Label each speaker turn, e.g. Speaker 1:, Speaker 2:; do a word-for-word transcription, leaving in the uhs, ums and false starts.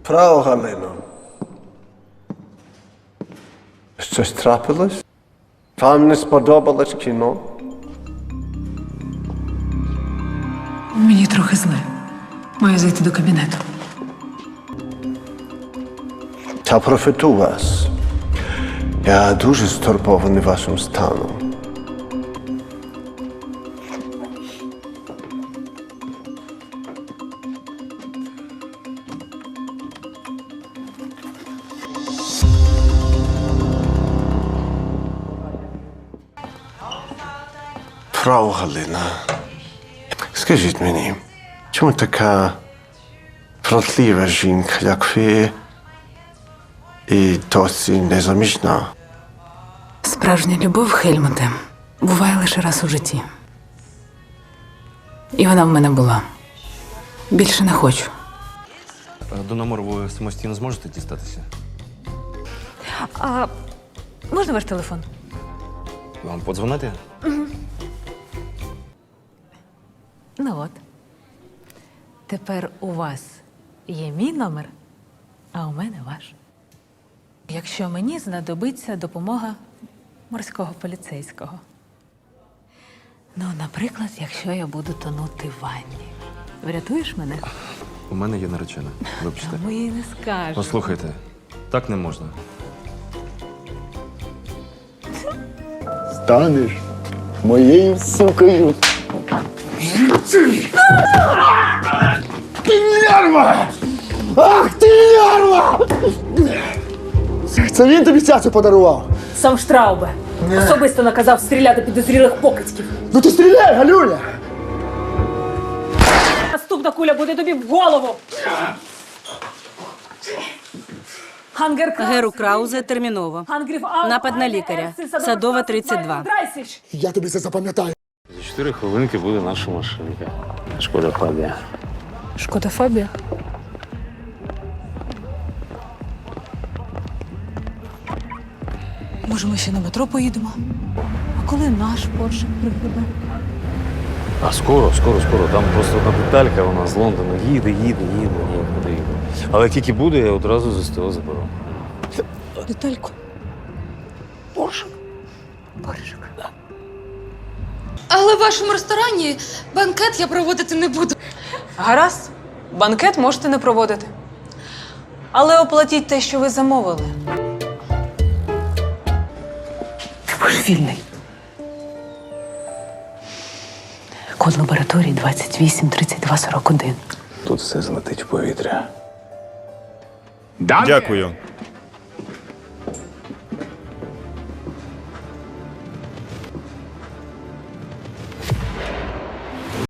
Speaker 1: Фрау Галино, щось трапилось? Вам не сподобалось кіно?
Speaker 2: Мені трохи зле. Маю зайти до кабінету.
Speaker 1: Та профіту вас. Я дуже стурбований вашим станом. Фрау Галина, скажіть мені, чому така вродлива жінка, як ви, і досі незаміжна?
Speaker 2: Справжня любов, Хельмуте, буває лише раз у житті. І вона в мене була. Більше не хочу.
Speaker 3: До номеру ви самостійно зможете дістатися?
Speaker 4: А можна ваш телефон?
Speaker 3: Вам подзвонити?
Speaker 4: Ну от. Тепер у вас є мій номер, а у мене ваш. Якщо мені знадобиться допомога морського поліцейського. Ну, наприклад, якщо я буду тонути в ванні. Врятуєш мене?
Speaker 3: У мене є наречена. Вибачте.
Speaker 4: А ми їй не скажемо.
Speaker 3: Послухайте, так не можна.
Speaker 5: Станеш моєю сукою. Ти лярва! Ах, ти лярва! Це він тобі цяцю подарував?
Speaker 6: Сам Штраубе особисто наказав стріляти підозрілих покидьків.
Speaker 5: Ну ти стріляй, Галюня!
Speaker 6: Наступна куля буде тобі в голову. Хангер Краузе.
Speaker 7: Геру Краузе терміново. Напад на лікаря. Садова, тридцять два.
Speaker 5: Я тобі це запам'ятаю.
Speaker 8: За чотири хвилинки буде наша машинка. Шкода Фабія.
Speaker 4: Шкода Фабія? Може, ми ще на метро поїдемо? А коли наш Порше пригребе?
Speaker 8: А скоро, скоро, скоро. Там просто одна деталька, вона з Лондона їде, їде, їде, ніяк не їде. Але як тільки буде, я одразу з СТО заберу.
Speaker 4: Детальку.
Speaker 5: Порше.
Speaker 4: Поршик.
Speaker 9: Але в вашому ресторані банкет я проводити не буду.
Speaker 10: Гаразд, банкет можете не проводити. Але оплатіть те, що ви замовили.
Speaker 2: Ти божевільний. Код лабораторії двадцять вісім тридцять два сорок один.
Speaker 8: Тут все злетить в повітря.
Speaker 11: Дякую.